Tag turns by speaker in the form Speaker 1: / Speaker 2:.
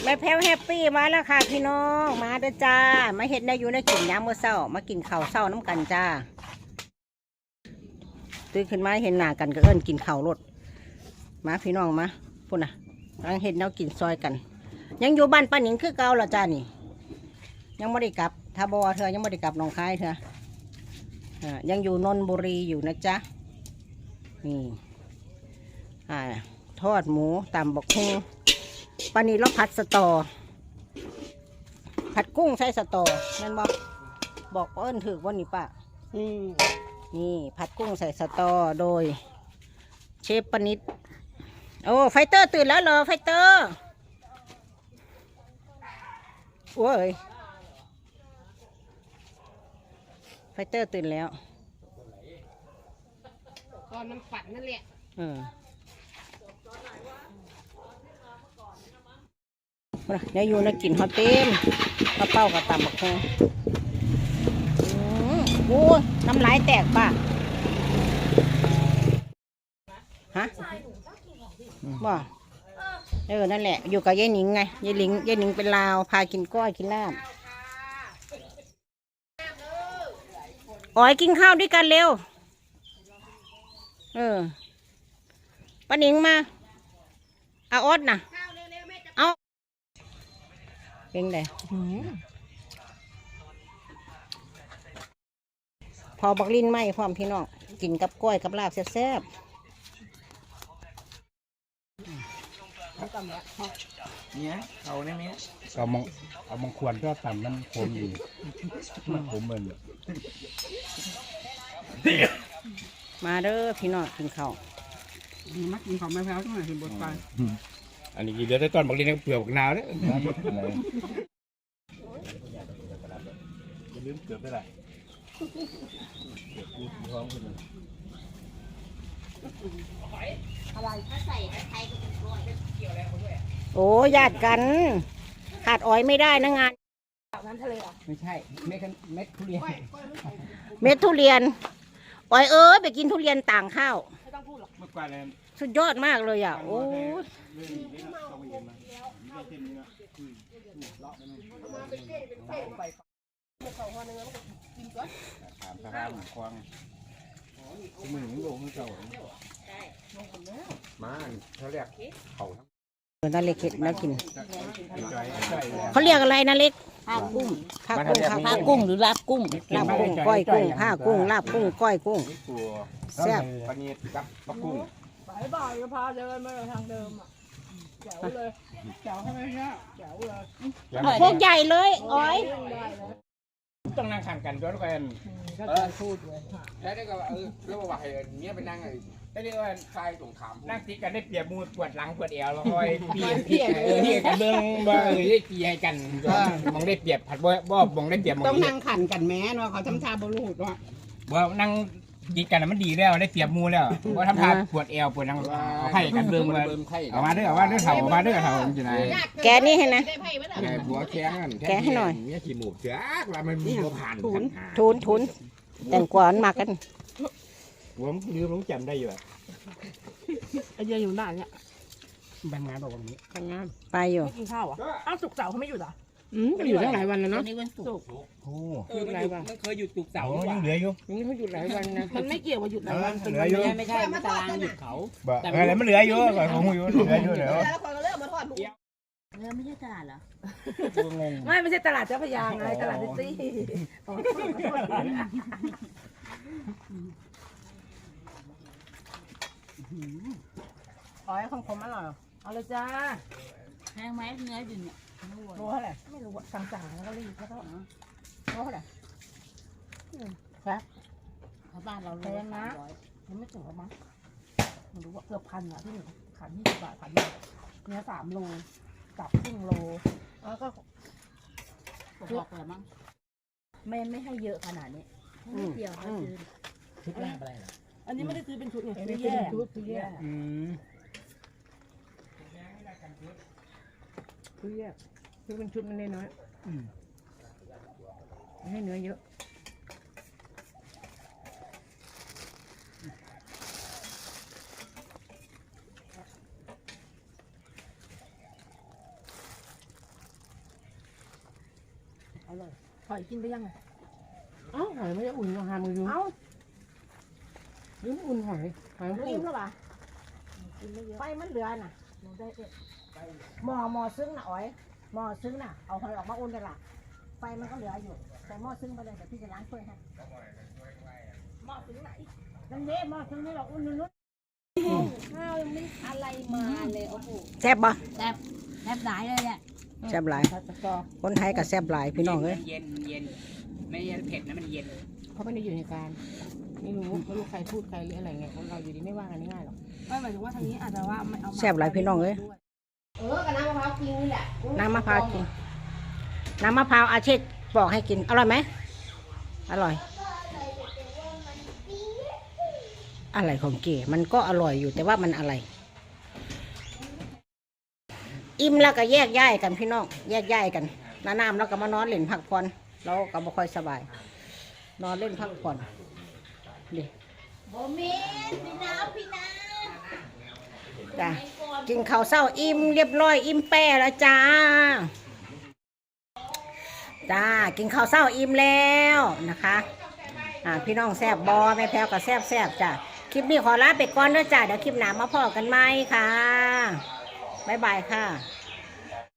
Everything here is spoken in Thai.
Speaker 1: แม่แพ้วแฮปปี้มาแล้วค่ะพี่น้องมาเด้อจ้ามาเห็ดได้อยู่ในกินยามมื้อเช้ามากินข้าวเช้าน้ำกันจ้าตื่นขึ้นมาเห็นหน้ากันก็เอิ้นกินข้าวรถมาพี่น้องมาพุ่นน่ะกำลังเห็ดแนวกินซอยกันยังอยู่บ้านป้าหนิงคือเก่าละจ้านี่ยังไม่ได้กลับถ้าบอเธอยังไม่ได้กลับหนองคายเธอยังอยู่นนทบุรีอยู่นะจ๊ะนี่ทอดหมูตำบักหุ่งปานี้เราผัดสตอผัดกุ้งใส่สตอนั่นบอกเอิ้นถือว่านี่ป้านี่ผัดกุ้งใส่สตอโดยเชฟปนิดโอ้ไฟเตอร์ตื่นแล้วเหรอไฟเตอร์โอ้ยไฟเตอร์ตื่นแล้ว
Speaker 2: ตอนมันฝันนั่นแหละ
Speaker 1: เนี่ยอยู่ในกลิ่นฮอตเต็มข้าวเป้ากับตำบักหุ่งโอ้น้ำลายแตกป่ะฮะบ่นั่นแหละอยู่กับยายหนิงไงยายหนิงเป็นลาวพากินก้อยกินลาบอ๋อยกินข้าวด้วยกันเร็วป้าหนิงมาเอาอดนะเอาเป็นไงพอบักลิ้นไหมพร้อมพี่น้องกินกับก้อยกับลาบแซ่บ
Speaker 3: เนี่ยเอาเนี่ยมั้ย
Speaker 4: เอามงควรก็ต่ำมันโคมอยู่ผมเหมือน
Speaker 1: มาเด้อพี่น้องกินข้าว
Speaker 2: มักกินของแม่แพ้วทั้งหลายเห็นบทไป
Speaker 4: อันนี้เดี๋ยวได้ตอนบักลิ้นเปลือกบักนาวเนี่ยลืมเกือบได้ไร
Speaker 1: อะไรถ้าใส่ไทยก็เป็นก้อยเกี่ยวอะไรเขาด้วยโอ้ญาติกันขาดอ้อยไม่ได้นะงาน
Speaker 2: น้ำทะเลอ่ะ
Speaker 3: ไม่ใช่เม็ดทุเรียน
Speaker 1: เม็ดทุเรียนอ้อยไปกินทุเรียนต่างข้าว
Speaker 2: ไม่ต้องพูดหรอก
Speaker 3: เมื่อก่อนเลย
Speaker 1: สุดยอดมากเลยอ่ะโอ้
Speaker 4: มือหนึ่งโลไม่เท่ามาเขาเรียกเขา
Speaker 1: นาเล็กเห็ดแล้วกินเขาเรียกอะไรนาเล็ก
Speaker 2: ผ้ากุ้ง
Speaker 1: ผ้ากุ้งหรือลาบกุ้งลาบกุ้งก้อยกุ้งผ้ากุ้งลาบกุ้งก้อยกุ้งแซ่บ
Speaker 4: ปนีกับปลากุ้ง
Speaker 2: บ่ายก็พาเดินมาทางเดิมอ่ะแจ๋วเลยแจ๋วใช่ไหมเนี่ยแจ๋วเลย
Speaker 1: พวกใหญ่เลยอ้อย
Speaker 4: ต้องนั่งขันกันด้วยกัน
Speaker 2: ก็จะพูดเลย
Speaker 3: แล้วได้ก็แล้วว่าให้เมียไปนั่งไงได้เรียกว่าใครตรงขาม
Speaker 4: นั่งตีกันได้เปรียบมือปวดหลังปวดเอวแล้วคอยเปลี่ยนกันเบื้องบ่ได้เปลี่ยนกันมองได้เปรียบผัดบ่มองได้เปรียบ
Speaker 2: ต้องนั่งขันกันแม้เนาะเขาทำท่าบรูดว่า
Speaker 4: นั่งกินกันมันดีแล้วได้เปรียบมูแล้วว่าทำท่าปวดเอวปวดหลังเอาไข่กันเบื้องมาเอามาด้วยเถ่าเอามาด้วยเถ่าจริงๆ
Speaker 1: แกนี่ให้นะ
Speaker 3: หัวแข็ง
Speaker 1: แกให้หน่อย
Speaker 3: เนี่ยขี้หมูเสือกแล้วมันมีผ่าน
Speaker 1: ทุนแต่งกวานมากัน
Speaker 4: ผมลืมจำได้อยู่
Speaker 2: ไอเดียอยู่ไหนเนี่ย
Speaker 4: บางงานบอกวันนี้
Speaker 2: บางงาน
Speaker 1: ไปอยู่
Speaker 2: กินข้าวอ่ะอ้าวศุกร์เสาร์เขาไม่หยุดอ่ะ
Speaker 1: อยู่ตั้งหลายวันแล้วเนาะ
Speaker 2: นี่วันศุกร์
Speaker 4: โอ้
Speaker 3: หยุดหลายวันไม่เคยหยุดศุกร์เสาร์
Speaker 4: ยังเหลืออยู่
Speaker 1: นี่เขาหยุดหลายวันนะ
Speaker 2: มันไม่เกี่ยวกับหยุดหลายวัน
Speaker 4: เหลืออยู่
Speaker 2: ไม่ใช่มาตารางหยุดเขา
Speaker 4: อะไรมันเหลืออยู่ก่อนของอยู่เหลืออยู่เดี๋ยว
Speaker 2: แล้วคนก็เริ่มมาทอดเนื้อไม่ใช่ตลาดเหรอไม่ใช่ตลาดเจ้าพยาไงตลาดซิตี้อ๋อของผมอร่อยเอาเลยจ้า
Speaker 5: แพงไหมเนื้ออยู่เนี่ย
Speaker 2: รู้เท่าไหร่ไม่รู้สั่งแล้วก็รีบแล้วก็รู้เท่าไหร่ครับ
Speaker 5: บ้านเรา
Speaker 2: แพงนะยังไม่ถึงหรอมั้งไม่รู้ว่าเกือบพันอ่ะที่หนึ่งขัน20 บาทขันเนื้อ3 โลกับครึ่งโลแล้วก็
Speaker 5: บอกอะไรมั้ง
Speaker 2: ไม่ให้เยอะขนาดนี้เดียวเขาซื้อ
Speaker 4: ชุดลาบอะไรเหรอ
Speaker 2: อันนี้ไม่ได้ซื้อเป็นชุดไงซื้อแยกซื้อแยกซื้อเป็นชุดมันน้อยให้เนื้อเยอะร่อยหอยกินไปยังไงเอ้าหอยไม่ได้อุ่นมาหามือดูเอ้าลืมอุ่นหอยมัน
Speaker 1: อิ่มแล้วปะ
Speaker 2: กินไม่เยอะ
Speaker 1: ไฟมันเหลือน่ะ
Speaker 2: หนูได้
Speaker 1: หม้อซึ้งน่ะอ๋อยหม้อซึ้งน่ะเอาหอยออกมาอุ่นได้ละไฟมันก็เหลืออยู่ใส่หม้อซึ้งไปเลยเดี๋ยวพี่จะล้างถ้วยให้หม้อซึ้งไหนนั่นเด้หม้อซึ้งนี่เราอุ่นนุ่นข้าวยังไม่อะไรมาเลยโอ้โหแซ่บบ่
Speaker 5: แซ่บแซ่บหลายเลยเนี่ย
Speaker 1: แซ่บหลาย
Speaker 2: ผัดสตอ
Speaker 1: คนไทยก็แซ่บหลายพี่น้องเอ้ย
Speaker 4: เย็นเย็นไม่เย็นเผ็ดนะมันเย็น
Speaker 2: เขาไม่ได้อยู่ในการไม่รู้ใครพูดใครหรืออะไรไงเราอยู่ดีไม่ว่ากันง่ายหรอกไม่หมายถึงว่าทางนี้อาจจะว่าไม่เอา
Speaker 1: แซ่บหลายพี่น้องเอ้ย
Speaker 2: กับน้ำมะพร้าวกินนี่แหละ
Speaker 1: น้ำมะพร้าวกินน้ำมะพร้าวอาเชษบอกให้กินอร่อยไหมอร่อยอะไรของเก๋มันก็อร่อยอยู่แต่ว่ามันอะไร อิ่มแล้วก็แยกย้ายกันพี่น้องแยกย้ายกันน้ำแล้วก็มานอนเล่นพักผ่อนเราก็บ่ค่อยสบาย นอนเล่นพักผ่อนดิ
Speaker 5: โบมีพี่น้าพี่น้า
Speaker 1: จ้ะกินข้าวเช้าอิ่มเรียบร้อยอิ่มแป้แล้วจ้าจ้ากินข้าวเช้าอิ่มแล้วนะคะพี่น้องแซ่บบอแม่แพ้วก็แซ่บจ้ะคลิปนี้ขอลาไปก่อนเด้อจ้าเดี๋ยวคลิปหน้ามาพอกันไหมค่ะบ๊ายบายค่ะ